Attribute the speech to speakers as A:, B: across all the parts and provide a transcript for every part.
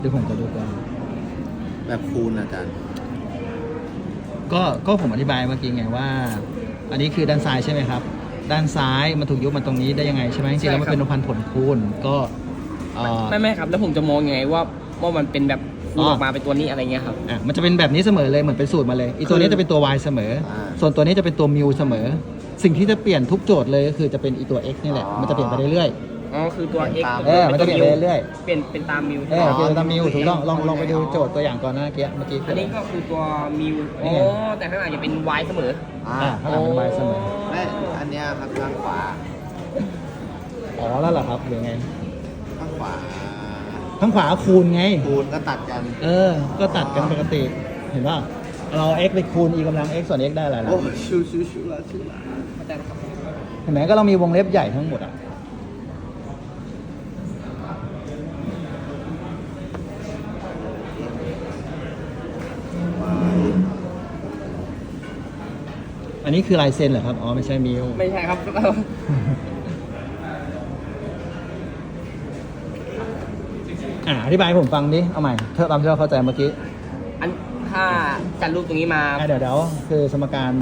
A: เดี๋ยวผมจะดูกัน
B: แบบคูณอาจารย์
A: ก็ผมอธิบายเมื่อกี้ไงว่า อันนี้คือด้านซ้ายใช่ไหมครับ ด้านซ้ายมันถูกยุบมาตรงนี้ได้ยังไงใช่ไหมจริงๆแล้วมันเป็นนพันผลคูณก็
C: ไม่ครับแล้วผมจะมองยังไงว่ามันเป็นแบบคูณออกมาเป็นตัวนี้อะไรเงี้ยครับ
A: มันจะเป็นแบบนี้เสมอเลยเหมือนเป็นสูตรมาเลยอีตัวนี้จะเป็นตัว y เสมอส่วนตัวนี้จะเป็นตัวมิวเสมอสิ่งที่จะเปลี่ยนทุกโจทย์เลยก็คือจะเป็นอีตัว x นี่แหละมันจะเปลี่ยนไปเรื่อย
C: อ๋อคือตัว x
A: มันจะเปลี่ยนไปเรื่อย
C: เปลี่ยนเป็นตามมิว
A: เปลี่ยนตามมิวถูกต้องลองไปดูโจทย์ตัวอย่างก่อนนะเมื่อกี้
C: อันนี้ก็คือตัวมิวแต่ข้างหลังจะเป็น y เสมอ
A: ข้างหลังเป็น y เสมอ
B: ไม่อันเนี้ยครับข้างขวา
A: แล้วเหรอครับหรือไง
B: ข้างขวา
A: คูณไง
B: คูณก็ตัดกัน
A: ก็ตัดกันปกติเห็นป่ะเรา x ไปคูณ e กำลัง x ส่วน x ได้อะไรล่ะ
B: โอ้ชิวละ
A: เห็นไหมก็เรามีวงเล็บใหญ่ทั้งหมดอันนี้คือลายเซ็นเหรอครับไม่ใช่มิว
C: ไม่ใช่ครับ
A: อธิบายให้ผมฟังดิเอาใหม่ตามที่เราเข้าใจเมื่อกี้
C: ถ้าจัดรูปตรงนี้มา
A: เดี๋ยวคือสมการ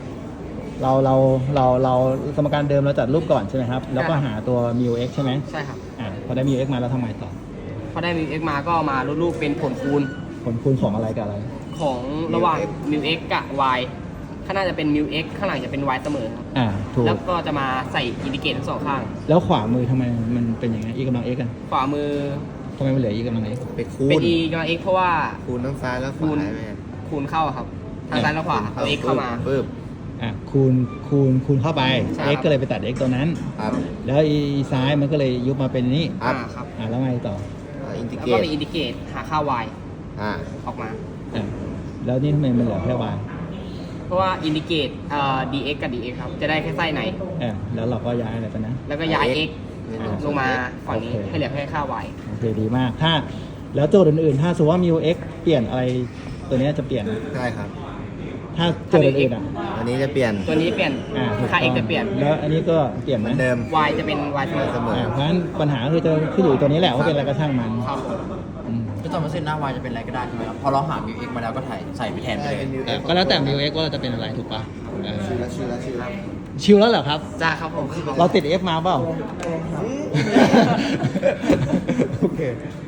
A: เราสมการเดิมเราจัดรูปก่อนใช่ไหมครับแล้วก็หาตัวมิว x ใช่ไหม
C: ใช่ครับ
A: พอได้มิว x มาแล้วทำไงต่อ
C: พอได้มิว x มาก็มารูปเป็นผลคูณ
A: ของอะไรกับอะไร
C: ของระหว่างมิว x กับ y ข้างหน้าจะเป็นมิว x ข้างหลังจะเป็น y เสมอครับ
A: ถูก
C: แล้วก็จะมาใส่อินดิเกตทั้งสองข้าง
A: แล้วขวามือทำไมมันเป็นอย่างไง e กำลัง x กัน
C: ขวามือ
A: ทำไมมันเหลือ e กำลัง x
B: เป็นคูณ
C: เป็น e กำลัง x เพราะว่า
B: คูณทั้งซ้ายแล้วขวา
C: คูณเข้าครับทางซ้ายและขวาเอา x เข้ามา
B: ปึ๊บ
A: คูณเข้าไป x ก็เลยไปตัด x ตัวนั้นแล้ว e ซ้ายมันก็เลยยุบมาเป็นนี้
C: ครับ
A: แล้วไงต่อ
C: แล้วก็มีอินดิเกตหาค่า y ออกมา
A: แล้วนี่ทำไมมันเหลือแค่ y
C: เพราะว่าอินดิเกตdx กับ dx ครับจะได้แค่ไส้ไหน
A: แล้วเราก็ย้ายอะไรไปนะ
C: แล้วก็ย้าย x ลงมาฝั่งนี้ให้เหลือแค่ค่า y
A: โอเคดีมากแล้วโจทย์อื่นๆถ้าสมมติว่ามิว x เปลี่ยนอะไรตัวนี้จะเปลี่ยน
B: ใช่ครับ
A: ถ้าโจทย์อื่น
B: อันนี้จะเปลี่ยน
C: ตัวนี้เปลี่ยนค่า x จะเปลี่ยน
A: แล้วอันนี้ก็เปลี่ยน
B: เหมือนเดิม
C: y จะเป็น y เสมอ
A: เพราะฉะนั้นปัญหาคือจะขึ้นอยู่ตัวนี้แหละว่าเป็นอะไรก็ช่างมัน
D: ก็จะมาเส้นหน้า y จะเป็นอะไรก็ได้ใช่ไหมครับพอเราหา μx มาแล้วก็ใส่ไปแทนไปเลย
A: ก็แล้วแต่ μx ว่าเราจะเป็นอะไรถูกป่ะ
B: ชิว
A: แล้วเหรอครับ
C: จ้าครับผม
A: เราติด f มาเปล่าโอเค